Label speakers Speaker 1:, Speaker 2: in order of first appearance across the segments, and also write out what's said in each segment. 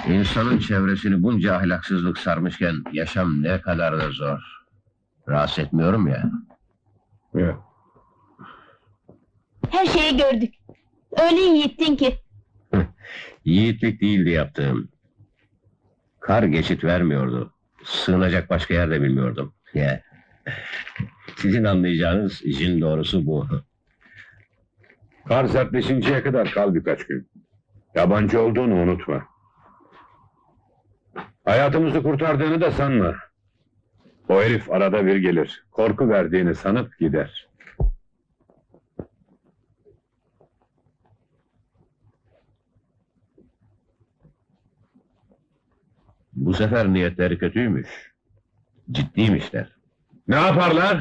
Speaker 1: İnsanın çevresini bunca ahlaksızlık sarmışken yaşam ne kadar da zor. Rahatsız etmiyorum ya.
Speaker 2: Evet.
Speaker 3: Her şeyi gördük. Öyle yiğittin ki.
Speaker 1: Yiğitlik değildi yaptığım. Kar geçit vermiyordu. Sığınacak başka yer de bilmiyordum. Ya. Sizin anlayacağınız işin doğrusu bu.
Speaker 2: Kar sertleşinceye kadar kal birkaç gün. Yabancı olduğunu unutma. Hayatımızı kurtardığını da sanma. O herif arada bir gelir. Korku verdiğini sanıp gider.
Speaker 1: Bu sefer niyetleri kötüymüş. Ciddiymişler.
Speaker 2: Ne yaparlar?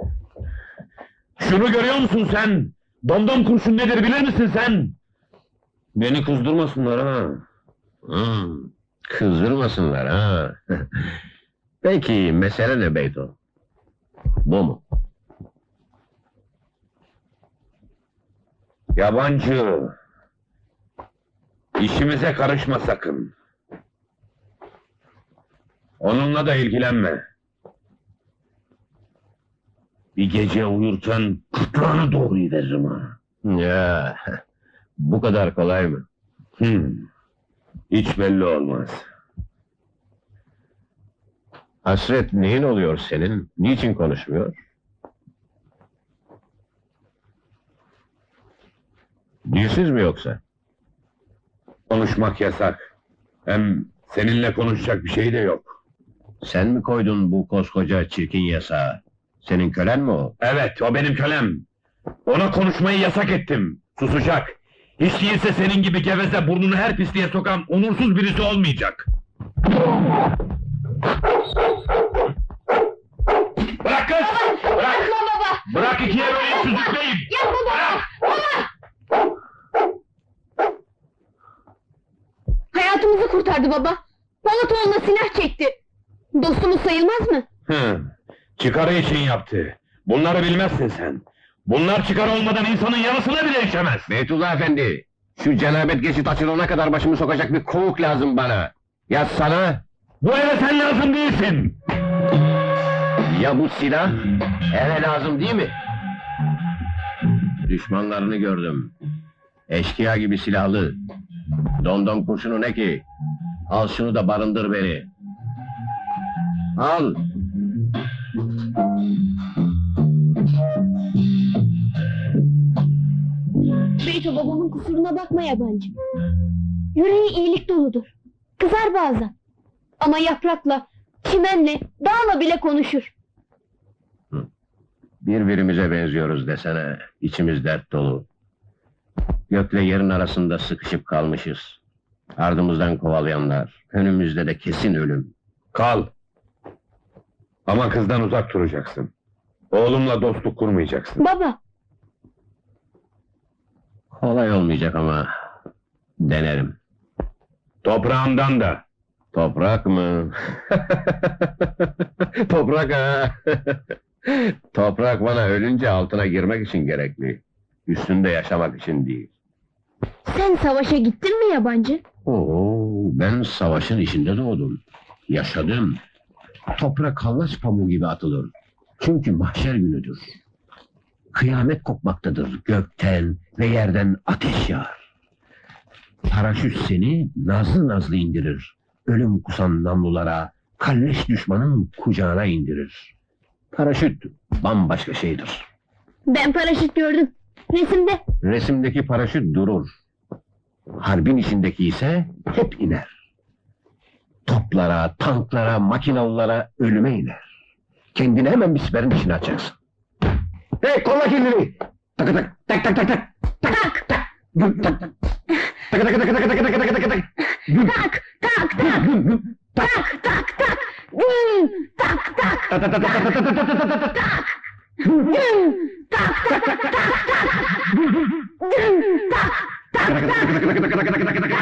Speaker 2: Şunu görüyor musun sen? Domdom kurşun nedir bilir misin sen?
Speaker 1: Beni kızdırmasınlar ha. Kızdırmasınlar ha. Peki mesele ne Beyto? Bu mu?
Speaker 2: Yabancı. İşimize karışma sakın. Onunla da ilgilenme. Bir gece uyurken kıtlağını doğruyu veririm ha.
Speaker 1: Ya, bu kadar kolay mı?
Speaker 2: Hiç belli olmaz.
Speaker 1: Hasret neyin oluyor senin? Niçin konuşmuyor? Dilsiz mi yoksa?
Speaker 2: Konuşmak yasak. Hem seninle konuşacak bir şey de yok.
Speaker 1: Sen mi koydun bu koskoca çirkin yasağı? Senin kölen mi o?
Speaker 2: Evet, o benim kölem. Ona konuşmayı yasak ettim. Susacak. Hiç değilse senin gibi geveze burnunu her pisliğe sokan onursuz birisi olmayacak. Bırak kız! Bırak!
Speaker 3: Yapma baba!
Speaker 2: Bırak ikiye böleyim süzükleyeyim!
Speaker 3: Yapma baba! Baba! Hayatımızı kurtardı baba. Polatoğlu'na silah çekti. Dostumuz sayılmaz mı?
Speaker 2: Çıkarı için yaptı. Bunları bilmezsin sen. Bunlar çıkar olmadan insanın yarısına bile işemez.
Speaker 1: Beytullah Efendi, şu cenabet geçit açılana kadar başımı sokacak bir kovuk lazım bana. Ya sana,
Speaker 2: Bu eve sen lazım değilsin.
Speaker 1: ya bu silah, eve lazım değil mi? Düşmanlarını gördüm. Eşkıya gibi silahlı. Domdom kurşunu ne ki? Al şunu da barındır beni. Al!
Speaker 3: Beyto babamın kusuruna bakma yabancı. Yüreği iyilik doludur. Kızar bazen. Ama yaprakla, çimenle, dağla bile konuşur.
Speaker 1: Birbirimize benziyoruz desene. İçimiz dert dolu. Gökle yerin arasında sıkışıp kalmışız. Ardımızdan kovalayanlar, önümüzde de kesin ölüm.
Speaker 2: Kal. Ama kızdan uzak duracaksın. Oğlumla dostluk kurmayacaksın.
Speaker 3: Baba,
Speaker 1: Kolay olmayacak ama denerim.
Speaker 2: Toprağımdan da.
Speaker 1: Toprak mı? Toprak ha! Toprak bana ölünce altına girmek için gerekli. Üstünde yaşamak için değil.
Speaker 3: sen savaşa gittin mi yabancı?
Speaker 1: Oo, ben savaşın içinde doğdum. Yaşadım. Toprak hallaç pamuğu gibi atılır. Çünkü mahşer günüdür. Kıyamet kopmaktadır gökten ve yerden ateş yağar. Paraşüt seni nazlı nazlı indirir. Ölüm kusan namlulara, kalleş düşmanın kucağına indirir. Paraşüt bambaşka şeydir.
Speaker 3: Ben paraşüt gördüm. Resimde.
Speaker 1: Resimdeki paraşüt durur. Harbin içindeki ise hep iner. Toplara, tanklara, makinalılara ölüme iner. Kendini hemen bir siperin içine açacaksın. Hey, kolla kendini! Tak tak tak tak tak tak tak tak güm tak tak tak tak tak tak tak tak tak tak tak güm
Speaker 3: Tak, tak, tak. Tak, tak, tak. Güm, tak, tak.
Speaker 1: tak tak tak tak tak tak tak tak tak tak
Speaker 3: Güm, tak, tak, tak, tak, tak. Güm, tak, tak.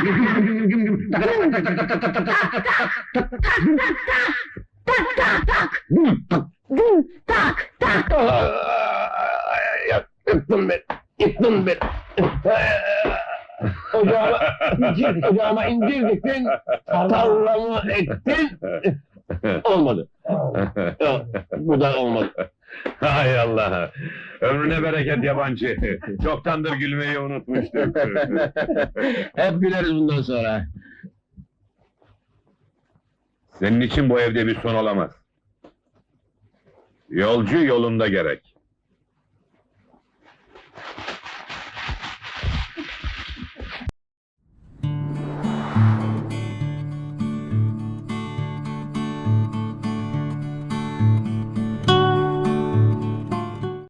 Speaker 3: Tak, tak, tak. Güm, tak, tak.
Speaker 1: Yıktın beni, yıktın beni. ocağıma indirdiktin, tarlamı ektin, olmadı. Yok, bu da olmadı.
Speaker 2: Hay Allah! Ömrüne bereket yabancı! Çoktandır gülmeyi unutmuştum.
Speaker 1: Hep güleriz bundan sonra.
Speaker 2: Senin için bu evde bir son olamaz. Yolcu yolunda gerek.